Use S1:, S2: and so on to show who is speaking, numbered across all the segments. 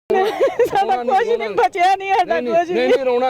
S1: ਸਾਡਾ ਕੁਝ ਨਹੀਂ ਬਚਿਆ ਨਹੀਂ ਸਾਡਾ ਕੁਝ
S2: ਨਹੀਂ ਰੋਣਾ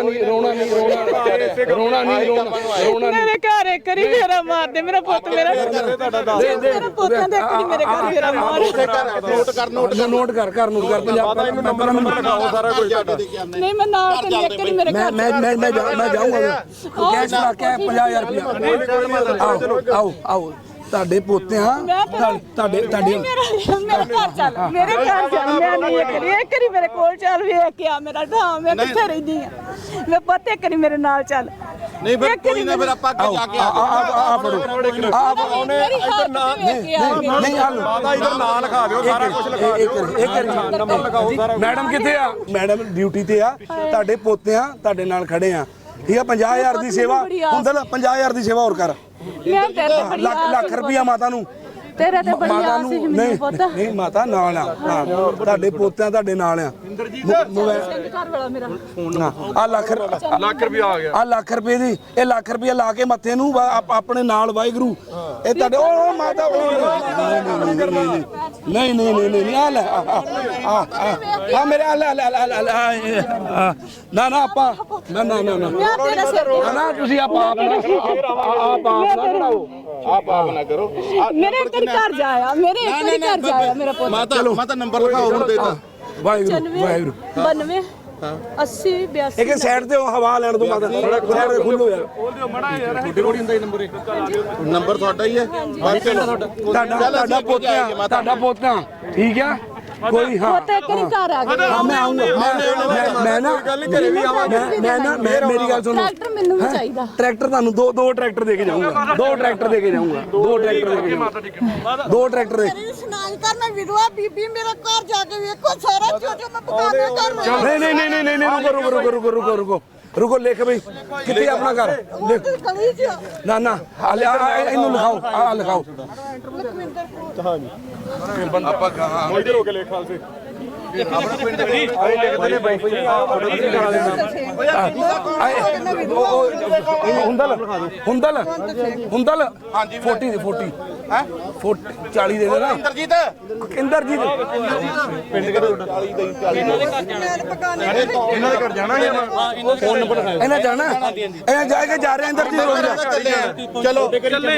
S2: ਨਹੀਂ
S1: ਮੇਰੇ ਘਰ ਇੱਕ ਵਾਰੀ ਫੇਰਾ ਮਾਰ ਦੇ ਮੇਰਾ ਪੁੱਤ ਮੇਰਾ ਪੁੱਤਾਂ ਦੇ ਇੱਕ ਵਾਰੀ ਮੇਰੇ ਘਰ ਫੇਰਾ ਮਾਰ
S2: ਨੋਟ ਕਰ ਪੰਜਾਬ ਦਾ ਨੰਬਰ ਲਗਾਓ ਸਾਰਾ ਕੁਝ
S1: ਨਹੀਂ ਮੈਂ ਨਾਲ ਤੇ ਇੱਕ ਵਾਰੀ ਮੇਰੇ ਘਰ
S2: ਮੈਂ ਜਾਊਂਗਾ ਕੈਸ਼ ਲਾ ਕੇ 50000 ਰੁਪਇਆ ਆਓ ਤੁਹਾਡੇ ਪੋਤਿਆਂ ਤੁਹਾਡੇ
S1: ਮੇਰੇ ਘਰ ਚੱਲ ਮੇਰੇ ਘਰ ਚੱਲ ਮੈਂ ਨਹੀਂ ਇੱਕ ਵਾਰੀ ਮੇਰੇ ਕੋਲ ਚੱਲ ਵੇਖ ਕੇ ਆ ਮੇਰਾ ਢਾਂ ਮੈਂ ਕਿੱਥੇ ਰਹਿੰਦੀ ਆ ਮੈਂ ਪੁੱਤ ਇੱਕ ਵਾਰੀ ਮੇਰੇ ਨਾਲ ਚੱਲ
S3: ਨਹੀਂ ਫਿਰ ਕੋਈ ਨਾ ਫਿਰ ਆਪਾਂ ਅੱਗੇ ਜਾ ਕੇ
S2: ਆ ਫੜੋ
S1: ਉਹਨੇ ਇੱਧਰ ਨਹੀਂ
S2: ਹਾਲ
S3: ਮਾਤਾ ਇੱਧਰ ਨਾਂ ਲਿਖਾ ਦਿਓ ਸਾਰਾ ਕੁਝ
S2: ਇੱਕ ਨੰਬਰ ਲਿਖਾਓ ਸਾਰਾ ਮੈਡਮ ਕਿੱਥੇ ਆ ਮੈਡਮ ਡਿਊਟੀ ਤੇ ਆ ਤੁਹਾਡੇ ਪੋਤਿਆਂ ਤੁਹਾਡੇ ਨਾਲ ਖੜੇ ਆ ਠੀਕ ਆ 50000 ਦੀ ਸੇਵਾ ਹੁੰਦਾ 50000 ਦੀ ਸੇਵਾ ਹੋਰ ਕਰ
S1: ਮੈਂ ਤੇਰੇ ਤੇ
S2: ਲੱਖ ਰੁਪਿਆ ਮਾਤਾ ਨੂੰ
S1: ਤੇਰੇ ਤੇ ਬੜੀ ਆਸ ਸੀ ਮੈਨੂੰ ਪੁੱਤ
S2: ਨਹੀਂ ਮਾਤਾ ਨਾਲ ਆ ਤੁਹਾਡੇ ਪੋਤਿਆਂ ਤੁਹਾਡੇ ਨਾਲ ਆ
S1: ਘਰ ਵਾਲਾ ਮੇਰਾ
S2: ਆ ਲੱਖ
S3: ਰੁਪਿਆ ਆ ਗਿਆ
S2: ਆ ਲੱਖ ਰੁਪਏ ਦੀ ਇਹ ਲੱਖ ਰੁਪਿਆ ਲਾ ਕੇ ਮੱਥੇ ਨੂੰ ਆਪਣੇ ਨਾਲ ਵਾਹਿਗੁਰੂ ਇਹ ਤੁਹਾਡੇ ਉਹ ਮਾਤਾ ਨਹੀਂ ਆ ਲੈ ਆ ਮੇਰੇ ਆ ਲੈ ਨਾ ਆਪਾਂ ਨਾ ਤੁਸੀਂ ਆਪ ਨਾ ਬਣਾਓ
S3: ਆਪ ਨਾ ਕਰੋ
S1: ਮੇਰੇ ਇੱਕ ਘਰ ਜਾਇਆ ਮੇਰੇ ਇੱਕ ਘਰ ਜਾਇਆ ਮੇਰਾ ਪੁੱਤ
S3: ਮਾਤਾ ਨੰਬਰ ਲਿਖਾਓ ਹੁਣ ਦੇ ਤਾ
S2: ਵਾਹਿਗੁਰੂ
S1: 92 80 82
S2: ਇੱਕ ਸਾਈਡ ਤੇ ਹਵਾ ਲੈਣ ਤੋਂ ਮਾਤਾ ਸਾਈਡ ਤੇ ਖੁੱਲੋ ਯਾਰ
S3: ਤੁਹਾਡੇ ਕੋਲ ਹੁੰਦਾ ਨੰਬਰ ਨੰਬਰ ਤੁਹਾਡਾ ਹੀ ਹੈ
S2: ਤੁਹਾਡਾ ਪੋਤਾ ਠੀਕ ਆ ਕੋਈ ਹਾਂ
S1: ਪੁੱਤ ਇੱਕ ਘਰ ਆ ਗਿਆ
S2: ਮੈਂ ਆਉਂਗਾ ਮੈਂ ਨਾ ਮੇਰੀ ਗੱਲ ਸੁਣੋ
S1: ਟਰੈਕਟਰ ਮੈਨੂੰ ਵੀ ਚਾਹੀਦਾ
S2: ਟਰੈਕਟਰ ਤੁਹਾਨੂੰ ਦੋ ਟਰੈਕਟਰ ਦੇ ਕੇ ਜਾਊਂਗਾ ਦੋ ਟਰੈਕਟਰ ਦੇ ਕੇ
S1: ਮੇਰੀ ਸੁਣਾਈ ਕਰ ਮੈਂ ਵਿਧਵਾ ਬੀਬੀ ਮੇਰਾ ਘਰ ਜਾ ਕੇ ਵੇਖੋ ਸਾਰਾ ਜੋ ਮੈਂ ਪਕਾਨੇ ਕਰ
S2: ਨਹੀਂ ਰੁਕੋ ਲਿਖ ਬਈ ਕਿੱਥੇ ਆਪਣਾ ਘਰ ਨਾ ਇਹਨੂੰ ਲਿਖਾਓ ਆ ਲਿਖਾਓ
S3: ਆਪਾਂ ਹਾਂ ਇਧਰ ਹੋ ਕੇ ਲਿਖ ਖਾਲਸੇ ਆਪਣਾ ਪਿੰਡ ਦੇ ਆਏ ਲਿਖਦੇ ਨੇ ਬਾਈ
S2: ਹੁੰਦਲ ਹਾਂਜੀ 40 ਦੇ 40 ਹੈ 40 ਦੇ ਦੇਣਾ ਇੰਦਰਜੀਤ
S3: ਪਿੰਡ ਕਿਹੜਾ ਤੁਹਾਡਾ 40 ਇਹਨਾਂ ਦੇ ਘਰ ਜਾਣਾ ਫੋਨ ਨੰਬਰ
S2: ਇਹਨਾਂ ਜਾਣਾ ਇਹ ਜਾ ਕੇ ਜਾ ਰਿਹਾ ਇੰਦਰਜੀਤ
S3: ਚਲੋ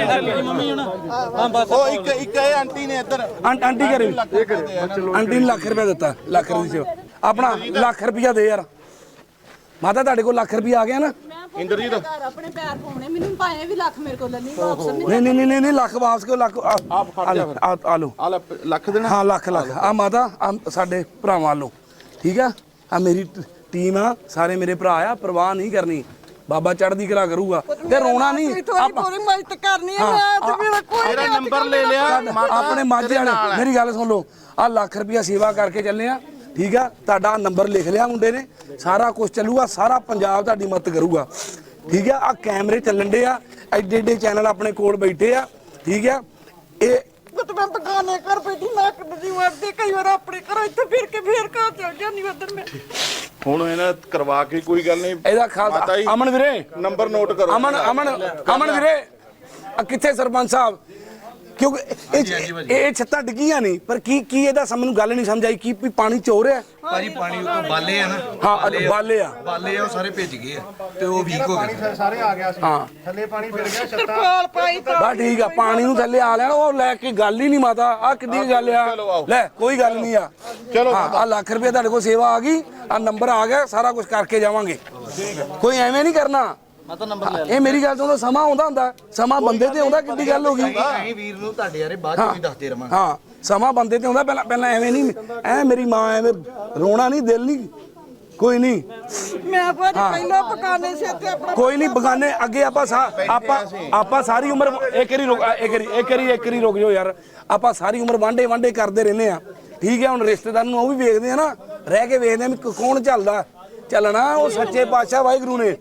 S3: ਉਹ ਇੱਕ ਇਹ ਆਂਟੀ ਨੇ ਇੱਧਰ
S2: ਆਂਟੀ ਕਰੇ ਆਂਟੀ ਨੇ ਲੱਖ ਰੁਪਏ ਦਿੱਤਾ ਲੱਖ ਰੁਪਏ ਦੀ ਸੇਵਾ ਆਪਣਾ ਲੱਖ ਰੁਪਇਆ ਦੇ ਯਾਰ ਮਾਤਾ ਤੁਹਾਡੇ ਕੋਲ ਲੱਖ ਰੁਪਇਆ ਆ ਗਿਆ ਨਾ
S3: ਇੰਦਰਜੀਤ
S1: ਆਪਣੇ ਪੈਰ ਪਾਉਣੇ ਮੈਨੂੰ ਪਾਏ ਵੀ ਲੱਖ ਮੇਰੇ ਕੋਲ ਨਹੀਂ ਵਾਪਸ
S2: ਨਹੀਂ ਲੱਖ ਵਾਪਸ ਕਿਉਂ ਲੱਖ ਆ ਲਓ
S3: ਆ ਲੱਖ ਦੇਣਾ
S2: ਹਾਂ ਲੱਖ ਆ ਮਾਤਾ ਸਾਡੇ ਭਰਾਵਾਂ ਵੱਲੋਂ ਠੀਕ ਆ ਆ ਮੇਰੀ ਟੀਮ ਆ ਸਾਰੇ ਮੇਰੇ ਭਰਾ ਆ ਪਰਵਾਹ ਨਹੀਂ ਕਰਨੀ ਬਾਬਾ ਚੜ੍ਹਦੀ ਕਲਾ ਕਰੂਗਾ ਤੇ ਰੋਣਾ ਨਹੀਂ
S1: ਥੋੜੀ ਮਦਦ ਕਰਨੀ ਹੈ ਮੈਂ ਤੇ ਮੇਰਾ ਕੋਈ
S3: ਮੇਰਾ ਨੰਬਰ ਲੈ ਲਿਆ
S2: ਆਪਣੇ ਮਾਝੇ ਵਾਲੇ ਮੇਰੀ ਗੱਲ ਸੁਣ ਲਓ ਆ ਲੱਖ ਰੁਪਇਆ ਸੇਵਾ ਕਰਕੇ ਚੱਲੇ ਆ ਠੀਕ ਆ ਤੁਹਾਡਾ ਨੰਬਰ ਲਿਖ ਲਿਆ ਮੁੰਡੇ ਨੇ ਸਾਰਾ ਕੁਝ ਚੱਲੂਗਾ ਸਾਰਾ ਪੰਜਾਬ ਤੁਹਾਡੀ ਮਦਦ ਕਰੂਗਾ ਠੀਕ ਆ ਕੈਮਰੇ ਚੱਲਣ ਦੇ ਆ ਐਡੇ ਚੈਨਲ ਆਪਣੇ ਕੋਲ ਬੈਠੇ ਆ ਠੀਕ ਆ ਇਹ
S1: ਮੈਂ ਬਗਾਨੇ ਘਰ ਬੈਠੀ ਮੈਂ ਕਦੀ ਵਰਦੀ ਕਈ ਵਾਰ ਆਪਣੇ ਘਰੋਂ ਇੱਥੇ ਫਿਰ ਕੇ ਫੇਰ ਘਰ ਚਲ ਜਾਂਦੀ ਉਧਰ ਮੈਂ
S3: ਹੁਣ ਇਹਨਾਂ ਕਰਵਾ ਕੇ ਕੋਈ ਗੱਲ ਨਹੀਂ
S2: ਇਹਦਾ ਖਾਲਸਾ ਅਮਨ ਵੀਰੇ
S3: ਨੰਬਰ ਨੋਟ ਕਰੋ
S2: ਅਮਨ ਵੀਰੇ ਕਿੱਥੇ ਸਰਪੰਚ ਸਾਹਿਬ ਕਿਉਂਕਿ ਇਹ ਛੱਤਾਂ ਡਿੱਗੀਆਂ ਨਹੀਂ ਪਰ ਕੀ ਇਹਦਾ ਮੈਨੂੰ ਗੱਲ ਨਹੀਂ ਸਮਝ ਆਈ ਕੀ ਪਾਣੀ ਚੋ ਰਿਹਾ
S4: ਭਾਜੀ ਪਾਣੀ ਉਤੋਂ ਬਾਲੇ ਆ ਨਾ
S2: ਹਾਂ ਬਾਲੇ ਆ
S4: ਉਹ ਸਾਰੇ ਭਿੱਜ ਗਏ ਆ ਤੇ ਉਹ ਵੀਕ ਹੋ ਗਏ
S3: ਸਾਰੇ ਆ ਗਿਆ ਸੀ
S2: ਹਾਂ
S3: ਥੱਲੇ ਪਾਣੀ ਫਿਰ ਗਿਆ ਛੱਤਾਂ
S1: ਤਰਪਾਲ ਪਾਈ ਤਾਂ
S2: ਬਸ ਠੀਕ ਆ ਪਾਣੀ ਨੂੰ ਥੱਲੇ ਆ ਲੈਣ ਉਹ ਲੈ ਕੇ ਗੱਲ ਹੀ ਨਹੀਂ ਮਾਤਾ ਆ ਕਿੱਡੀ ਗੱਲ ਆ ਲੈ ਕੋਈ ਗੱਲ ਨਹੀਂ ਆ
S3: ਚਲੋ
S2: ਆ ਲੱਖ ਰੁਪਏ ਤੁਹਾਡੇ ਕੋਲ ਸੇਵਾ ਆ ਗਈ ਆ ਨੰਬਰ ਆ ਗਿਆ ਸਾਰਾ ਕੁਝ ਕਰਕੇ ਜਾਵਾਂਗੇ ਕੋਈ ਐਵੇਂ ਨਹੀਂ ਕਰਨਾ ਇਹ ਮੇਰੀ ਗੱਲ ਤੋਂ ਸਮਾਂ ਆਉਂਦਾ ਹੁੰਦਾ ਸਮਾਂ ਬੰਦੇ ਤੇ ਆਉਂਦਾ ਕਿੱਡੀ ਗੱਲ ਹੋ ਗਈ
S4: ਅਸੀਂ ਵੀਰ ਨੂੰ ਤੁਹਾਡੇ ਯਾਰੇ ਬਾਅਦ ਚ ਵੀ ਦੱਸਦੇ ਰਵਾਂਗੇ
S2: ਹਾਂ ਸਮਾਂ ਬੰਦੇ ਤੇ ਆਉਂਦਾ ਪਹਿਲਾਂ ਐਵੇਂ ਨਹੀਂ ਮੇਰੀ ਮਾਂ ਐਵੇਂ ਰੋਣਾ ਨਹੀਂ ਦਿਲ ਨਹੀਂ ਕੋਈ ਨਹੀਂ
S1: ਮੈਂ ਪਹਿਲਾਂ ਬਗਾਨੇ ਸੇ ਤੇ ਆਪਣਾ
S2: ਕੋਈ ਨਹੀਂ ਬਗਾਨੇ ਅੱਗੇ ਆਪਾਂ ਸਾਰੀ ਉਮਰ ਇੱਕ ਵਾਰੀ ਰੁਕ ਜਾਓ ਯਾਰ ਆਪਾਂ ਸਾਰੀ ਉਮਰ ਵਾਂਡੇ ਕਰਦੇ ਰਹਿੰਦੇ ਆ ਠੀਕ ਹੈ ਹੁਣ ਰਿਸ਼ਤੇਦਾਰ ਨੂੰ ਉਹ ਵੀ ਵੇਖਦੇ ਆ ਨਾ ਰਹਿ ਕੇ ਵੇਖਦੇ ਆ ਵੀ ਕੌਣ ਚੱਲਣਾ ਉਹ ਸੱਚੇ ਪਾਤਸ਼ਾਹ ਵਾਹਿਗੁਰੂ ਨੇ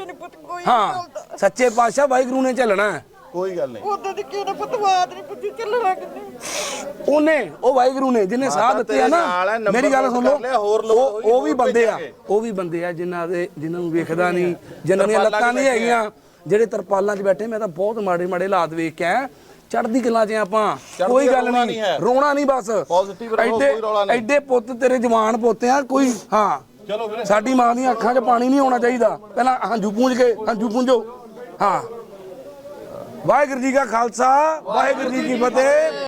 S2: ਹਾਂ ਸੱਚੇ ਪਾਤਸ਼ਾਹ ਵਾਹਿਗੁਰੂ ਨੇ ਚੱਲਣਾ
S3: ਕੋਈ ਗੱਲ ਨਹੀਂ
S1: ਉਦੋਂ ਦੀ ਕਿਹਨੇ ਪਤਵਾਦ ਨਹੀਂ ਪੁੱਛੀ ਚੱਲਣਾ ਕਿੰਨੇ
S2: ਉਹਨੇ ਉਹ ਵਾਹਿਗੁਰੂ ਨੇ ਜਿਹਨੇ ਸਾਹ ਦਿੱਤੇ ਆ ਨਾ ਮੇਰੀ ਗੱਲ ਸੁਣ ਲਓ ਉਹ ਵੀ ਬੰਦੇ ਆ ਜਿਨ੍ਹਾਂ ਨੂੰ ਵੇਖਦਾ ਨਹੀਂ ਜਿਨ੍ਹਾਂ ਦੀਆਂ ਲੱਤਾਂ ਨਹੀਂ ਹੈਗੀਆਂ ਜਿਹੜੇ ਤਰਪਾਲਾਂ 'ਚ ਬੈਠੇ ਮੈਂ ਤਾਂ ਬਹੁਤ ਮਾੜੇ ਹਾਲਾਤ ਵੇਖ ਕੇ ਆਇਆ ਚੜ੍ਹਦੀ ਕਲਾ 'ਚ ਆਪਾਂ, ਕੋਈ ਗੱਲ ਨਹੀਂ, ਰੋਣਾ ਨਹੀਂ ਬਸ। ਐਡੇ ਪੁੱਤ ਤੇਰੇ ਜਵਾਨ ਪੋਤੇ ਆ ਕੋਈ। ਹਾਂ
S3: ਚਲੋ ਵੀਰੇ,
S2: ਸਾਡੀ ਮਾਂ ਦੀਆਂ ਅੱਖਾਂ 'ਚ ਪਾਣੀ ਨਹੀਂ ਆਉਣਾ ਚਾਹੀਦਾ। ਪਹਿਲਾਂ ਹੰਝੂ ਪੂੰਝ ਕੇ, ਹੰਝੂ ਪੂੰਝੋ। ਹਾਂ, ਵਾਹਿਗੁਰੂ ਜੀ ਕਾ ਖਾਲਸਾ, ਵਾਹਿਗੁਰੂ ਜੀ ਕੀ ਫਤਿਹ।